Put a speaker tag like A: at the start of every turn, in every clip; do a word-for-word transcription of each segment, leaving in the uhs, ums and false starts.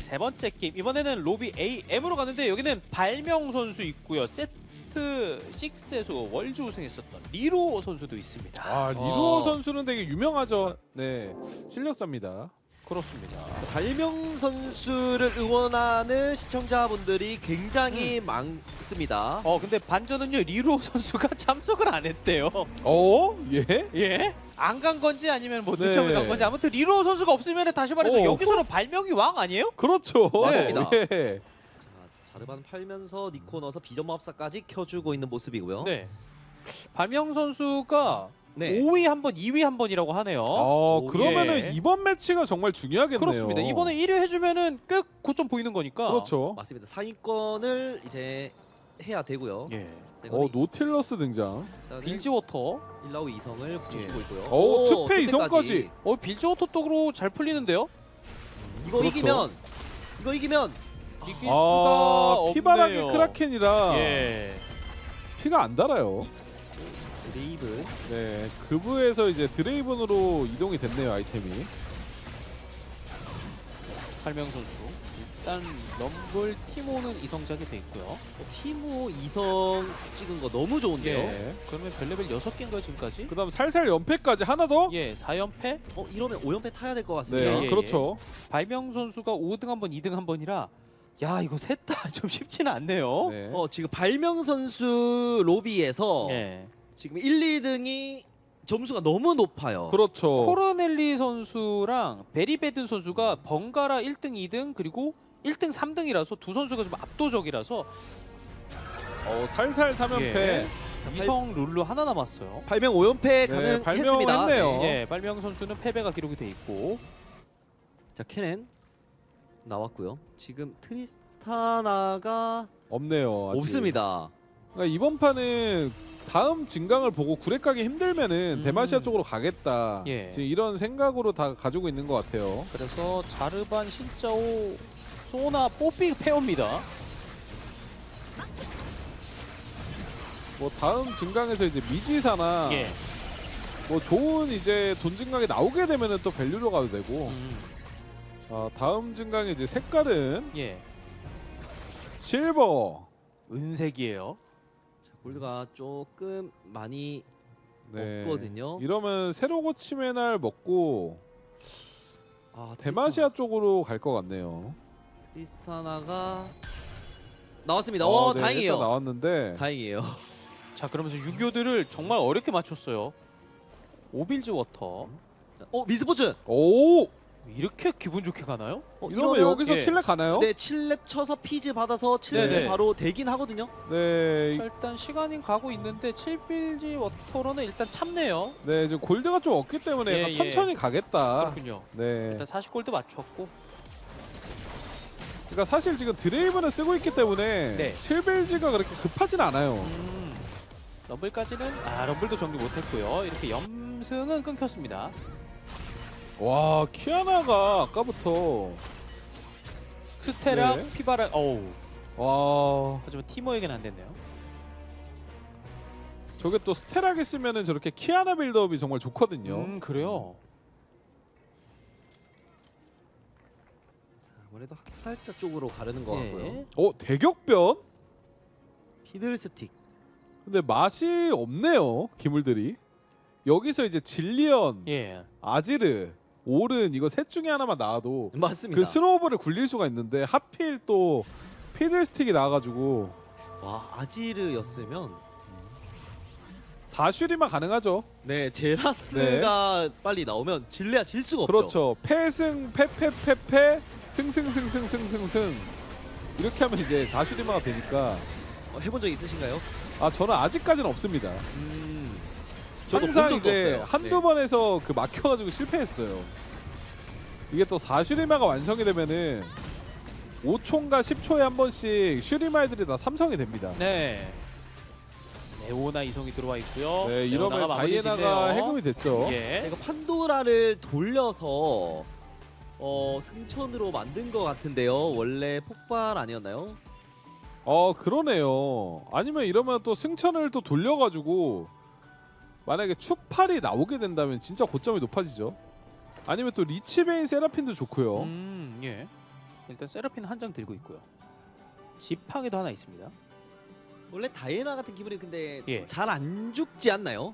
A: 세 번째 게임 이번에는 로비 에이엠으로 갔는데 여기는 발명 선수 있고요. 세트 식스에서 월주 우승했었던 리로 선수도 있습니다.
B: 아 리로
A: 어,
B: 선수는 되게 유명하죠. 네, 실력자입니다.
A: 그렇습니다.
C: 발명 선수를 응원하는 시청자분들이 굉장히 많습니다.
A: 어 근데 반전은요 리로 선수가 참석을 안 했대요.
B: 어? 예?
A: 예? 안 간 건지 아니면 뭐
B: 네.
A: 늦춰서 간 건지 아무튼 리로 선수가 없으면 다시 말해서
B: 어.
A: 여기서는 발명이 왕 아니에요?
B: 그렇죠.
C: 맞습니다.
B: 예.
C: 자, 자르반 팔면서 니코 넣어서 비전마법사까지 켜주고 있는 모습이고요.
A: 네. 발명 선수가
C: 네.
A: 오 위 한 번, 이 위 한 번이라고 하네요.
B: 어,
C: 오,
B: 그러면은
A: 예.
B: 이번 매치가 정말 중요하겠네요.
A: 그렇습니다. 이번에 일 위 해주면은 꽤 고점 보이는 거니까.
B: 그렇죠.
C: 맞습니다. 상위권을 이제 해야 되고요.
A: 예.
B: 어, 노틸러스 등장.
A: 빌지워터.
C: 일 라우 이성을 붙여주고 있고요.
B: 오, 특패
C: 특패까지.
B: 이성까지.
A: 어 빌지워터 쪽으로 잘 풀리는데요.
C: 이거
B: 그렇죠.
C: 이기면 이거 이기면
A: 이길 수가
B: 아,
A: 없네요.
B: 피바라기 크라켄이라
A: 예.
B: 피가 안 달아요.
C: 레이브
B: 네, 그브에서 이제 드레이븐으로 이동이 됐네요, 아이템이.
A: 발명 선수. 일단 럼블 티모는 이성작이 돼 있고요.
C: 어, 티모 이성 찍은 거 너무 좋은데요.
B: 네.
A: 그러면 별레벨 여섯 개인가요 지금까지?
B: 그다음 살살 연패까지 하나 더.
A: 예, 사 연패.
C: 어 이러면 오 연패 타야 될 것
B: 네,
C: 같습니다.
A: 예, 예.
B: 그렇죠.
A: 발명 선수가 오 등 한 번, 이 등 한 번이라 야 이거 셋 다 좀 쉽지는 않네요.
B: 네.
C: 어 지금 발명 선수 로비에서
A: 예.
C: 지금 일, 이 등이 점수가 너무 높아요.
B: 그렇죠.
A: 코르넬리 선수랑 베리베든 선수가 번갈아 일 등, 이 등 그리고 일 등, 삼 등이라서 두 선수가 좀 압도적이라서
B: 어, 살살 삼 연패.
A: 예. 이성 룰루 하나 남았어요.
C: 발명 오 연패
B: 네,
C: 가능했습니다.
B: 발명했네요.
A: 예, 발명 선수는 패배가 기록이 돼 있고
C: 자 케넨 나왔고요. 지금 트리스타나가
B: 없네요. 아직.
C: 없습니다.
B: 그러니까 이번 판은 다음 진강을 보고 구렉 가기 힘들면은
A: 음.
B: 대마시아 쪽으로 가겠다.
A: 예.
B: 지금 이런 생각으로 다 가지고 있는 것 같아요.
A: 그래서 자르반, 신짜오, 소나, 뽀삐 페어입니다.
B: 뭐 다음 진강에서 이제 미지사나
A: 예.
B: 뭐 좋은 이제 돈 진강이 나오게 되면은 또 밸류로 가도 되고.
A: 음.
B: 자, 다음 진강의 이제 색깔은
A: 예.
B: 실버.
A: 은색이에요.
C: 자, 골드가 조금 많이
B: 네.
C: 없거든요.
B: 이러면 새로 고침의 날 먹고
C: 아,
B: 대마시아 쪽으로 갈 것 같네요.
C: 트리스타나가 나왔습니다.
B: 어,
C: 어,
B: 네,
C: 다행이에요.
B: 일단 나왔는데
C: 다행이에요.
A: 자, 그러면서 유교들을 정말 어렵게 맞췄어요. 오빌즈 워터.
C: 어 미스포츠.
B: 오!
A: 이렇게 기분 좋게 가나요?
C: 어,
B: 이러면 여기서
A: 예.
B: 칠 렙 가나요?
C: 네, 칠 렙 쳐서 피즈 받아서 칠 렙
A: 네네.
C: 바로 되긴 하거든요.
B: 네.
A: 자, 일단 시간이 가고 있는데 칠빌지 워터로는 일단 참네요.
B: 네, 지금 골드가 좀 없기 때문에
A: 예,
B: 약간
A: 예.
B: 천천히 가겠다.
A: 그렇군요.
B: 네.
A: 일단 사십 골드 맞췄고.
B: 그러니까 사실 지금 드레이븐을 쓰고 있기 때문에
A: 네.
B: 칠벨지가 그렇게 급하진 않아요.
A: 음, 럼블까지는 아 럼블도 정리 못했고요. 이렇게 염승은 끊겼습니다.
B: 와, 키아나가 아까부터
A: 스테라,
B: 네.
A: 피바라, 어우.
B: 와,
A: 하지만 티모에게는 안 됐네요.
B: 저게 또 스테라기 쓰면은 저렇게 키아나 빌드업이 정말 좋거든요.
A: 음, 그래요.
C: 아무래도 학살자 쪽으로 가려는 것 같고요.
A: 예.
B: 어, 대격변?
C: 피들스틱.
B: 근데 맛이 없네요, 기물들이. 여기서 이제 질리언,
A: 예.
B: 아지르, 오른 이거 셋 중에 하나만 나와도
C: 맞습니다.
B: 그 스노우볼을 굴릴 수가 있는데 하필 또 피들스틱이 나와가지고
C: 와 아지르였으면
B: 사슈리만 가능하죠.
C: 네 제라스가 빨리 나오면 질레야 질 수가 없죠.
B: 그렇죠. 패승 패패패패 승승승승승승승 이렇게 하면 이제 사슈리마가 되니까.
C: 어, 해본 적 있으신가요?
B: 아 저는 아직까지는 없습니다.
C: 음. 저도 본
B: 항상
C: 적도
B: 이제
C: 없어요.
B: 한두
C: 네.
B: 번에서 그 막혀가지고 실패했어요. 이게 또 사슈리마가 완성이 되면은 오 초인가 십 초에 한 번씩 슈리마이들이 다 삼성이 됩니다.
A: 네. 레오나 이성이 들어와 있고요.
B: 네, 이러면
A: 레오나가 마무리
B: 다이애나가
A: 짓네요.
B: 해금이 됐죠.
A: 예.
C: 이거 판도라를 돌려서 어 승천으로 만든 것 같은데요. 원래 폭발 아니었나요?
B: 어 그러네요. 아니면 이러면 또 승천을 또 돌려가지고 만약에 축팔이 나오게 된다면 진짜 고점이 높아지죠. 아니면 또 리치베인 세라핀도 좋고요.
A: 음, 예. 일단 세라핀 한 장 들고 있고요. 지팡이도 하나 있습니다.
C: 원래 다이애나 같은 기분이 근데
A: 예.
C: 잘 안 죽지 않나요?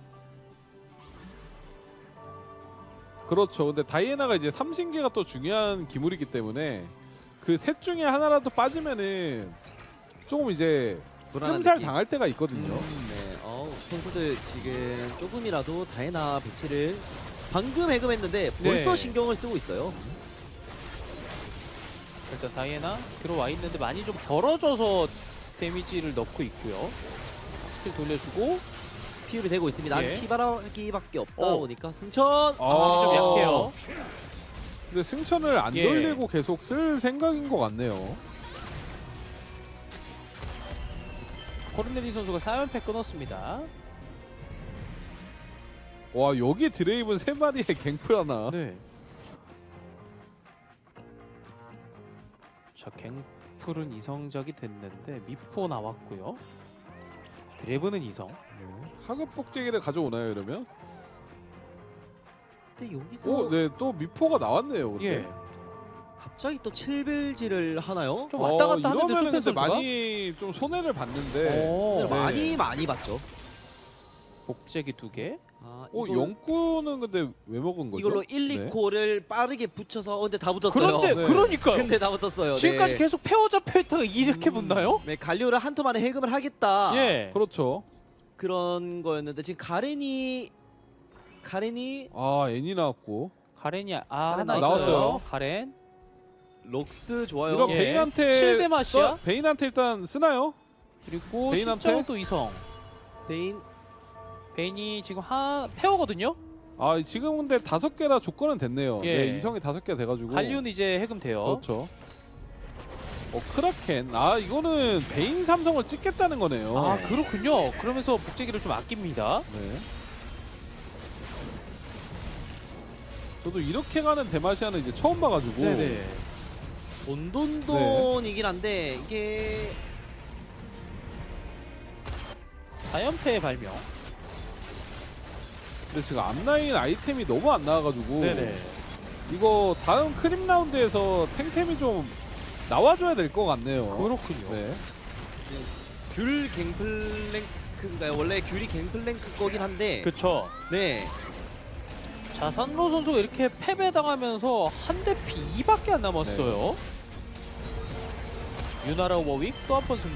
B: 그렇죠. 근데 다이애나가 이제 삼신계가 또 중요한 기물이기 때문에 그 셋 중에 하나라도 빠지면은 조금 이제
C: 불안한
B: 흠살
C: 느낌.
B: 당할 때가 있거든요.
C: 음, 네. 어, 선수들 지금 조금이라도 다이애나 배치를 방금 해금했는데 벌써
A: 네.
C: 신경을 쓰고 있어요.
A: 일단 다이애나 들어와 있는데 많이 좀 벌어져서 데미지를 넣고 있고요. 스킬 돌려주고
C: 피율이 되고 있습니다.
A: 예.
C: 피바라기밖에 없다
A: 어.
C: 보니까 승천.
B: 아,
A: 아, 좀 약해요.
B: 근데 승천을 안
A: 예.
B: 돌리고 계속 쓸 생각인 것 같네요.
A: 코르넬리 선수가 사 연패 끊었습니다.
B: 와 여기 드레이븐 세 마리에 갱플 하나.
A: 네. 자, 갱플은 이성작이 됐는데 미포 나왔고요. 드래브는 이성.
B: 네. 하급 복제기를 가져오나요 이러면?
C: 근데 여기서
B: 오, 네, 또 미포가 나왔네요. 근데.
A: 예.
C: 갑자기 또 칠빌지를 하나요?
A: 좀 왔다 갔다 하는데
B: 이러면
A: 소펜
B: 근데
A: 선수가
B: 많이 좀 손해를 봤는데.
A: 오,
C: 네,
B: 네.
C: 많이 많이 봤죠.
A: 복제기 두 개.
C: 아,
B: 오,
C: 이걸-
B: 영구는 근데 왜 먹은 거죠?
C: 이걸로 일,
B: 네.
C: 이 코를 빠르게 붙여서 어, 근데 다 붙었어요.
A: 그런데
B: 네.
A: 그러니까요.
C: 근데 다 붙었어요.
A: 지금까지
C: 네.
A: 계속 페어 잡혀 있다가 이렇게
C: 음,
A: 붙나요?
C: 네, 갈리오를 한 턴 만에 해금을 하겠다.
A: 예.
B: 그렇죠.
C: 그런 거였는데 지금 가렌이 가렌이
B: 아 애니 나왔고.
A: 가렌이 아
C: 가렌
A: 하나
B: 나왔어요.
A: 있어요. 가렌.
C: 록스 좋아요.
B: 이런
A: 예.
B: 베인한테
A: 칠대 맛이야?
B: 써- 베인한테 일단 쓰나요?
A: 그리고
B: 베인한테?
A: 신정은 또 이성.
C: 베인
A: 베인이 지금 하 페어거든요.
B: 아 지금 근데 다섯 개라 조건은 됐네요.
A: 예.
B: 네, 이성이 다섯 개 돼가지고.
A: 갈리오는 이제 해금 돼요.
B: 그렇죠. 어 크라켄. 아 이거는 베인 삼성을 찍겠다는 거네요.
A: 아 그렇군요. 그러면서 복제기를 좀 아낍니다.
B: 네. 저도 이렇게 가는 데마시아는 이제 처음 봐가지고.
A: 네네.
C: 온돈돈이긴 한데 이게
A: 사 연패의 발명.
B: 근데 지금 앞라인 아이템이 너무 안 나와가지고.
A: 네네.
B: 이거 다음 크림 라운드에서 탱템이 좀 나와줘야 될 것 같네요.
A: 그렇군요.
B: 네.
C: 귤 갱플랭크인가요? 원래 귤이 갱플랭크 거긴 한데
A: 그렇죠.
C: 네.
A: 자, 산로 선수가 이렇게 패배당하면서 한 대 비밖에 안 남았어요. 유나라 워윅 또 한 번 승리.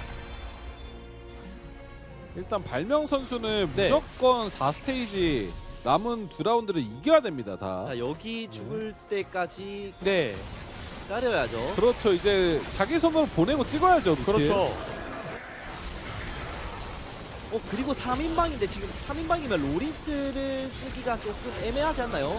B: 일단 발명 선수는
A: 네.
B: 무조건 사 스테이지 남은 두 라운드를 이겨야 됩니다. 다.
C: 자, 여기 죽을 때까지
A: 네.
C: 기다려야죠.
B: 그렇죠. 이제 자기 손으로 보내고 찍어야죠. 루틴.
A: 그렇죠.
C: 어 그리고 삼 인방인데 지금 삼 인방이면 로린스를 쓰기가 조금 애매하지 않나요?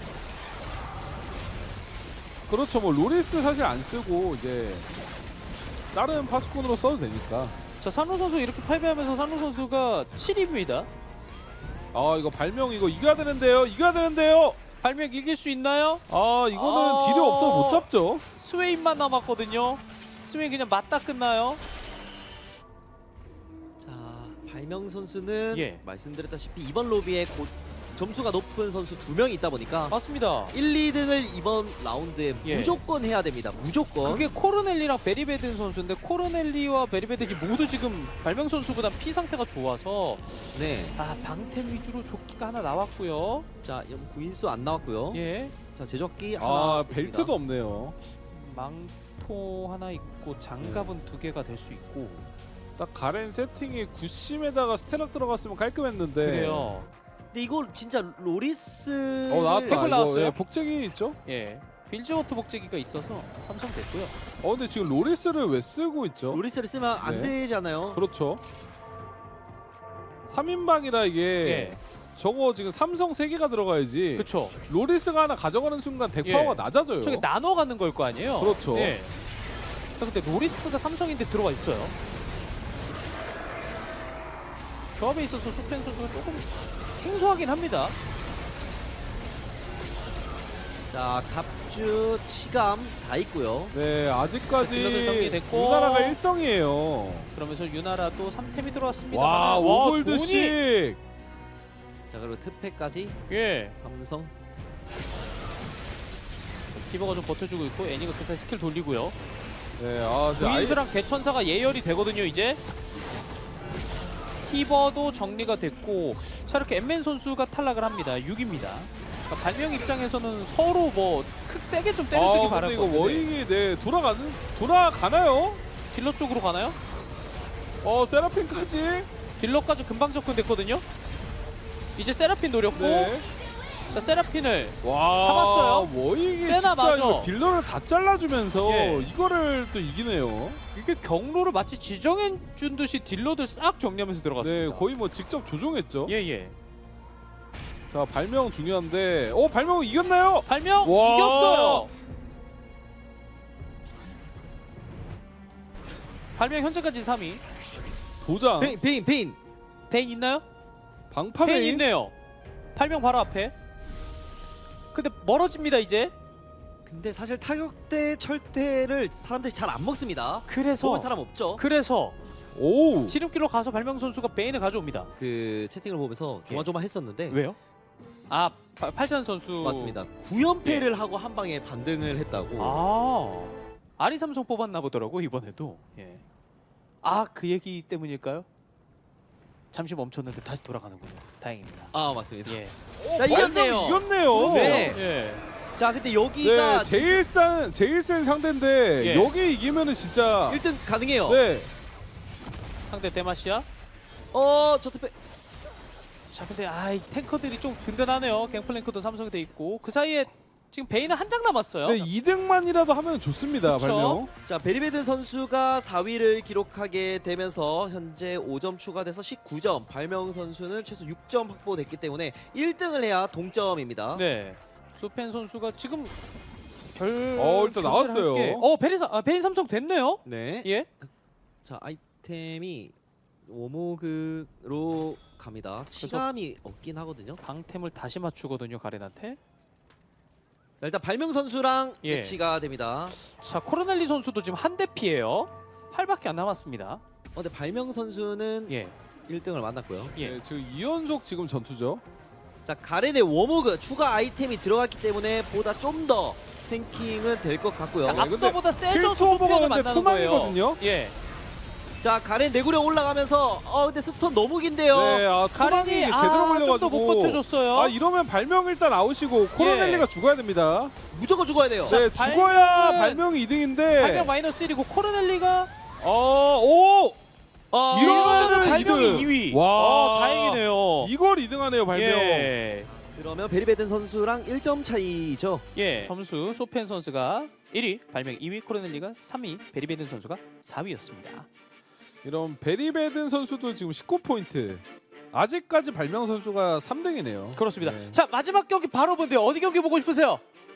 B: 그렇죠. 뭐 로리스 사실 안 쓰고 이제 다른 파수꾼으로 써도 되니까.
A: 자, 산로 선수 이렇게 패배하면서 산로 선수가 칠 위입니다.
B: 아 이거 발명 이거 이겨야 되는데요. 이겨야 되는데요.
A: 발명 이길 수 있나요?
B: 아 이거는
A: 아.
B: 딜이 없어 못 잡죠.
A: 스웨인만 남았거든요. 스웨인 그냥 맞다 끝나요.
C: 자 발명 선수는
A: 예.
C: 말씀드렸다시피 이번 로비에 곧 점수가 높은 선수 두 명이 있다 보니까
A: 맞습니다.
C: 일, 이 등을 이번 라운드에
A: 예.
C: 무조건 해야 됩니다. 무조건.
A: 그게 코르넬리랑 베리베든 선수인데 코르넬리와 베리베든이 모두 지금 발명 선수보다 피 상태가 좋아서
C: 네.
A: 아 방템 위주로 조끼가 하나 나왔고요.
C: 자 구인수 안 나왔고요.
A: 예.
C: 자 제적기 하나
B: 아
C: 있습니다.
B: 벨트도 없네요.
A: 망토 하나 있고 장갑은 두 개가 될 수 있고
B: 딱 가렌 세팅이 구심에다가 스테락 들어갔으면 깔끔했는데.
A: 그래요.
C: 근데 이거 진짜 로리스
B: 어 나왔다.
A: 템플
B: 이거
A: 나왔어요?
B: 예, 복제기 있죠?
A: 예. 빌즈워터 복제기가 있어서 삼성 됐고요.
B: 어 근데 지금 로리스를 왜 쓰고 있죠?
C: 로리스를 쓰면 안
B: 네.
C: 되잖아요.
B: 그렇죠. 삼 인방이라 이게
A: 예.
B: 저거 지금 삼성 세 개가 들어가야지.
A: 그렇죠.
B: 로리스가 하나 가져가는 순간 덱
A: 예.
B: 파워가 낮아져요.
A: 저게 나눠 가는 걸 거 아니에요?
B: 그렇죠.
A: 예. 자, 근데 로리스가 삼성인데 들어가 있어요. 조합에 있어서 소펜 선수가 조금 생소하긴 합니다.
C: 자 갑주 치감 다 있고요.
B: 네 아직까지
A: 딜러들 정리됐고.
B: 우나라가 일성이에요.
A: 그러면서 유나라도 삼 템이 들어왔습니다.
B: 와 오골드씩.
C: 자 그리고 특패까지
A: 예.
C: 삼성.
A: 디버가 좀 버텨주고 있고 애니가 그 사이 스킬 돌리고요.
B: 네, 아, 진짜 아이,
A: 구인수랑 대천사가 예열이 되거든요 이제. 티버도 정리가 됐고 자 이렇게 엠맨 선수가 탈락을 합니다. 육입니다. 그러니까 발명 입장에서는 서로 뭐 크 세게 좀 때려주기
B: 아,
A: 바랄
B: 근데
A: 것
B: 이거
A: 같은데
B: 워익이 네 돌아가는 돌아가나요?
A: 딜러 쪽으로 가나요?
B: 어, 세라핀까지.
A: 딜러까지 금방 접근됐거든요. 이제 세라핀 노렸고
B: 네.
A: 자 세라핀을
B: 와,
A: 잡았어요.
B: 워익이
A: 세나
B: 진짜
A: 맞아.
B: 이거 딜러를 다 잘라주면서
A: 예.
B: 이거를 또 이기네요.
A: 이게 경로를 마치 지정해준 듯이 딜러들 싹 정리하면서 들어갔습니다.
B: 네, 거의 뭐 직접 조종했죠.
A: 예예.
B: 자, 발명 중요한데, 어, 발명 이겼나요?
A: 발명
B: 와.
A: 이겼어요. 발명 현재까지 삼 위.
B: 도장,
C: 베인 베인 베인.
A: 베인 있나요?
B: 방파베인.
A: 베인 있네요. 발명 바로 앞에. 근데 멀어집니다 이제.
C: 근데 사실 타격대 철퇴를 사람들이 잘 안 먹습니다.
A: 그래서
C: 먹을 사람 없죠.
A: 그래서
B: 오,
A: 지름길로 가서 발명 선수가 베인을 가져옵니다.
C: 그 채팅을 보면서 조마조마했었는데
A: 왜요? 아 파- 팔찬 선수
C: 맞습니다. 구 연패를 하고 한 방에 반등을 했다고.
A: 아 아리 삼성 뽑았나 보더라고 이번에도. 예. 아 그 얘기 때문일까요? 잠시 멈췄는데 다시 돌아가는군요. 다행입니다.
C: 아, 맞습니다.
A: 예.
C: 자, 이겼네요.
B: 발명 이겼네요.
C: 네.
A: 예.
C: 자, 근데 여기가
B: 네, 제일 센 제일 센 상대인데
A: 예.
B: 여기 이기면은 진짜
C: 일 등 가능해요.
B: 네,
A: 상대 데마시아.
C: 어, 저트패.
A: 자 근데 아이 탱커들이 좀 든든하네요. 갱플랭크도 삼성이 돼 있고 그 사이에 지금 베인은 한 장 남았어요.
B: 네, 이 등만이라도 하면 좋습니다.
A: 그쵸?
B: 발명.
C: 자, 베리베든 선수가 사 위를 기록하게 되면서 현재 오 점 추가돼서 십구 점. 발명 선수는 최소 육 점 확보됐기 때문에 일 등을 해야 동점입니다.
A: 네. 소펜 선수가 지금 결.
B: 어, 일단
A: 결제를
B: 나왔어요.
A: 할게. 어 베인 아, 베인 삼성 됐네요.
C: 네.
A: 예.
C: 자, 아이템이 오모그로 갑니다. 치감이 없긴 하거든요.
A: 방템을 다시 맞추거든요 가렌한테.
C: 자, 일단 발명 선수랑
A: 예.
C: 매치가 됩니다.
A: 자 코르넬리 선수도 지금 한 대 피해요. 팔밖에 안 남았습니다.
C: 어, 근데 발명 선수는
A: 예.
C: 일 등을 만났고요.
A: 예.
B: 네, 지금 이 연속 지금 전투죠.
C: 자, 가렌의 워모그 추가 아이템이 들어갔기 때문에 보다 좀 더 탱킹은 될 것 같고요.
A: 그러니까
B: 네, 근데
A: 앞서보다 세져서
B: 필투오버가
A: 소편을
B: 근데
A: 만나는 거예요.
B: 투망이거든요.
A: 예.
C: 자, 가렌 내구려 올라가면서 어 근데 스톤 너무 긴데요.
B: 네, 아, 투망이
A: 가렌이
B: 제대로
A: 아,
B: 걸려가지고
A: 좀 더 못 버텨줬어요.
B: 아, 이러면 발명 일단 아웃이고 코로넬리가 죽어야 됩니다.
C: 무조건 죽어야 돼요.
B: 네,
A: 발-
B: 죽어야
A: 발명은-
B: 발명이 이 등인데.
A: 발명 마이너스 일이고 코르넬리가
B: 어, 오!
C: 어,
B: 이러면은
A: 발명이
B: 이 등.
A: 이 위.
B: 와.
A: 어, 다행이네요.
B: 이걸 이 등 하네요, 발명.
A: 예.
C: 그러면 베리베든 선수랑 일 점 차이죠.
A: 예. 점수 소펜 선수가 일 위, 발명 이 위, 코르넬리가 삼 위, 베리베든 선수가 사 위였습니다.
B: 이런 베리베든 선수도 지금 십구 포인트. 아직까지 발명 선수가 삼 등이네요.
A: 그렇습니다.
B: 네.
A: 자 마지막 경기 바로 본데요. 어디 경기 보고 싶으세요?